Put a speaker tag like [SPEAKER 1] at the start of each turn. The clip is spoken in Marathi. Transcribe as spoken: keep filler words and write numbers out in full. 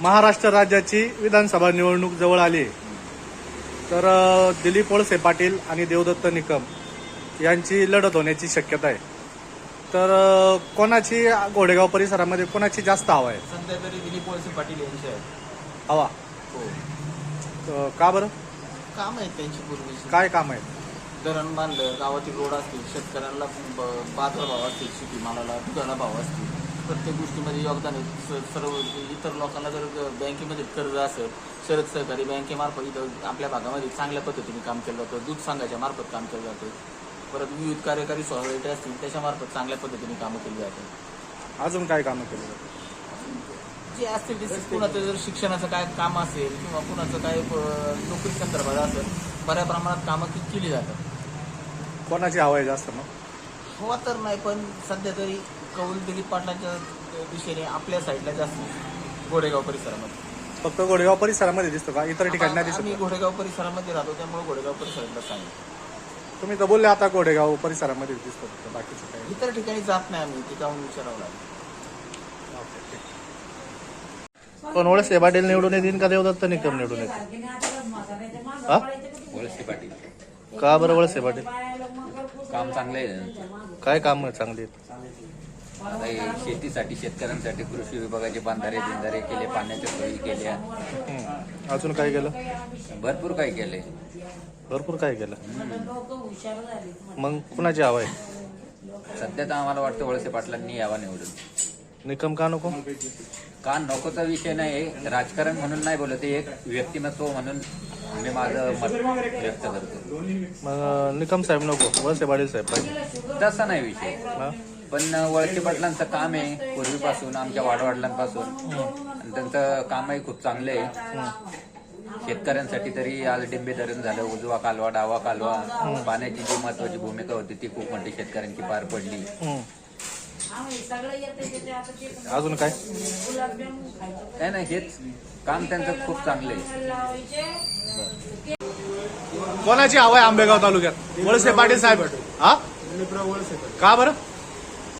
[SPEAKER 1] महाराष्ट्र राज्याची विधानसभा निवडणूक जवळ आली आहे. तर अ, दिलीप वळसे पाटील आणि देवदत्त निकम यांची लढत होण्याची शक्यता आहे. तर अ, कोणाची घोडेगाव परिसरामध्ये कोणाची जास्त हवा आहे?
[SPEAKER 2] सध्या तरी दिलीप वळसे पाटील यांचे आहे.
[SPEAKER 1] हवा
[SPEAKER 2] हो,
[SPEAKER 1] अ, का बरं?
[SPEAKER 2] काम आहेत त्यांची पूर्वीची.
[SPEAKER 1] काय काम आहे?
[SPEAKER 2] धरण बांधलं, गावातील रोड असतील, शेतकऱ्यांना ब- बाजार भाव असतील, शेतीमालाला दुधाला भाव असतील, प्रत्येक गोष्टीमध्ये योगदान आहे. स- सर्व इतर लोकांना जर ग- बँकेमध्ये कर्ज असेल, शरद सहकारी बँकेमार्फत इथं आपल्या भागामध्ये चांगल्या पद्धतीने काम केलं जातं. दूध संघाच्या मार्फत काम केलं जातं. परत विविध कार्यकारी सोसायटी असतील त्याच्यामार्फत चांगल्या पद्धतीने कामं केली जातात.
[SPEAKER 1] अजून काय कामं केली जातात?
[SPEAKER 2] जे असतील ते कुणाचं जर शिक्षणाचं काय काम असेल किंवा कुणाचं काय अ, नोकरी संदर्भात असेल, बऱ्या प्रमाणात कामं ती केली जातात.
[SPEAKER 1] कोणाची हवा आहे जास्त मग?
[SPEAKER 2] हवा तर नाही, पण सध्या तरी कौल दिलीप पाटलांच्या दिशेने आपल्या साईडला जास्त घोडेगाव परिसरामध्ये.
[SPEAKER 1] फक्त घोडेगाव परिसरामध्ये दिसतो का? इतर ठिकाणी नाही
[SPEAKER 2] आता आम्ही
[SPEAKER 1] दिसत?
[SPEAKER 2] घोडेगाव परिसरामध्ये राहतो, त्यामुळे घोडेगाव परिसरातला सांगितलं.
[SPEAKER 1] तुम्ही तर बोलले आता घोडेगाव परिसरामध्ये दिसतो, फक्त बाकीचं काय?
[SPEAKER 2] इतर ठिकाणी जात नाही आम्ही, ते जाऊन विचारावं लागेल.
[SPEAKER 1] पण वळसे पाटील निवडून येतील का देवदत्त निकम निवडून येतील? हा?
[SPEAKER 3] वळसे पाटील
[SPEAKER 1] का बरं वळसे पाटील?
[SPEAKER 3] काम चांगलं आहे त्यांचं.
[SPEAKER 1] काय काम चांगली आहेत?
[SPEAKER 3] आता हे शेतीसाठी शेतकऱ्यांसाठी कृषी विभागाचे बांधारे बिंधारे केले, पाण्याच्या सोयी केल्या,
[SPEAKER 1] हम्म. अजून काय केलं?
[SPEAKER 3] भरपूर काही केले.
[SPEAKER 1] भरपूर काय केलं. मग कुणाची हवा आहे?
[SPEAKER 3] सध्या तर आम्हाला वाटतं वळसे पाटलांनी यावा निवडून.
[SPEAKER 1] निकम का नको?
[SPEAKER 3] का नकोचा विषय नाही, राजकारण म्हणून नाही बोलत, हे एक व्यक्तिमत्व म्हणून मी माझं मत व्यक्त करतो.
[SPEAKER 1] मग निकम साहेब नको, वळसे पाटील साहेब पाहिजे.
[SPEAKER 3] तसा नाही विषय,
[SPEAKER 1] हा?
[SPEAKER 3] पण वळसे पाटलांचं काम आहे पूर्वीपासून, आमच्या वाडवडिलांपासून, आणि त्यांचं कामही खूप चांगलं आहे. शेतकऱ्यांसाठी तरी आज डिंबे धरण झालं, उजवा कालवा डावा कालवा, पाण्याची जी महत्वाची भूमिका होती ती खूप मोठी शेतकऱ्यांची पार पडली.
[SPEAKER 1] हम्म. अजून काय?
[SPEAKER 3] काय नाही, हेच काम त्यांचं खूप चांगलं आहे.
[SPEAKER 1] कोणाची हवा आहे आंबेगाव तालुक्यात? वळसे पाटील साहेब. हा? का बरं?